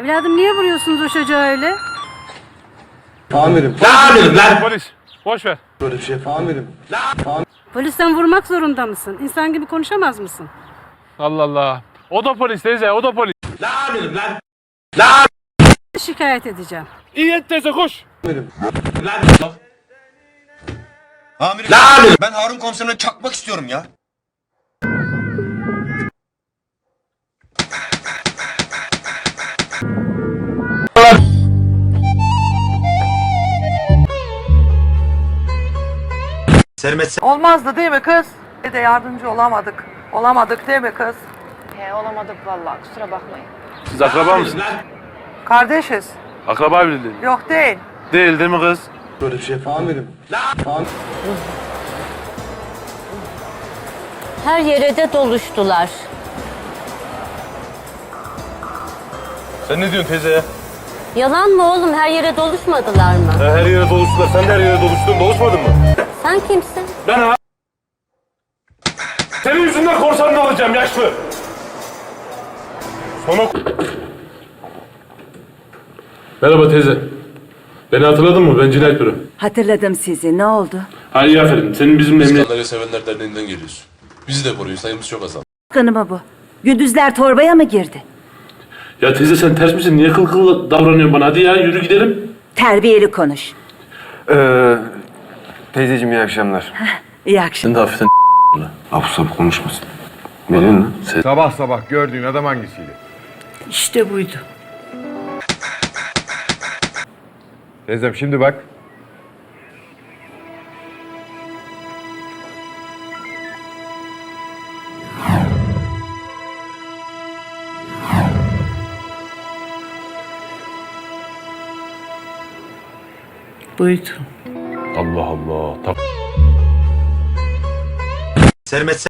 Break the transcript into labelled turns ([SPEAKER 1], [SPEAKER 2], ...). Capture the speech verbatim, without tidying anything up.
[SPEAKER 1] Evladım niye vuruyorsunuz o çocuğa öyle?
[SPEAKER 2] Amirim.
[SPEAKER 3] Ne amirim lan?
[SPEAKER 4] Polis. Boş ver.
[SPEAKER 2] Böyle bir şey amirim.
[SPEAKER 1] Polisten vurmak zorunda mısın? İnsan gibi konuşamaz mısın?
[SPEAKER 4] Allah Allah. O da polis teyze, o da polis.
[SPEAKER 3] Ne amirim lan? Ne amirim
[SPEAKER 1] Şikayet edeceğim.
[SPEAKER 4] İyi et teyze koş.
[SPEAKER 2] Amirim.
[SPEAKER 3] lan?
[SPEAKER 5] Amirim,
[SPEAKER 3] Ne amirim?
[SPEAKER 5] ben Harun komiserine çakmak istiyorum ya. Sermet
[SPEAKER 6] Olmazdı değil mi kız? Bir de yardımcı olamadık. Olamadık değil mi kız?
[SPEAKER 7] He olamadık vallahi kusura bakmayın.
[SPEAKER 4] Siz akraba mısınız?
[SPEAKER 3] Lan.
[SPEAKER 6] Kardeşiz.
[SPEAKER 4] Akraba bile değil.
[SPEAKER 6] Yok değil.
[SPEAKER 4] Değil değil mi kız?
[SPEAKER 2] Böyle bir şey amirim. Amirim.
[SPEAKER 8] Her yere de doluştular.
[SPEAKER 4] Sen ne diyorsun teyze ya?
[SPEAKER 8] Yalan mı oğlum? Her yere doluşmadılar mı?
[SPEAKER 4] Her yere doluştular. Sen de her yere doluştun. Doluşmadın mı?
[SPEAKER 8] Sen kimsin?
[SPEAKER 4] Ben ha. Senin yüzünden korsanını alacağım yaşlı. Sonra... Merhaba teyze. Beni hatırladın mı? Ben cinayet büro.
[SPEAKER 9] Hatırladım sizi. Ne oldu?
[SPEAKER 4] Ha iyi aferin. Senin bizim emniyet...
[SPEAKER 10] Kanarya Sevenler Derneği'nden geliyoruz. Bizi de koruyun, sayımız çok azaldı.
[SPEAKER 9] Kanıma bu. Gündüzler torbaya mı girdi?
[SPEAKER 4] Ya teyze sen ters misin? Niye kıl kıl davranıyorsun bana? Hadi ya yürü gidelim.
[SPEAKER 9] Terbiyeli konuş.
[SPEAKER 11] Ee, teyzeciğim iyi akşamlar.
[SPEAKER 9] İyi akşam.
[SPEAKER 4] Sen de hafiften
[SPEAKER 11] Abuk sabuk konuşmasın. Ne diyorsun lan? Sen...
[SPEAKER 12] Sabah sabah gördüğün adam hangisiydi?
[SPEAKER 9] İşte buydu.
[SPEAKER 12] Teyzem şimdi bak.
[SPEAKER 9] Buydu.
[SPEAKER 4] Allah Allah.
[SPEAKER 5] Sermet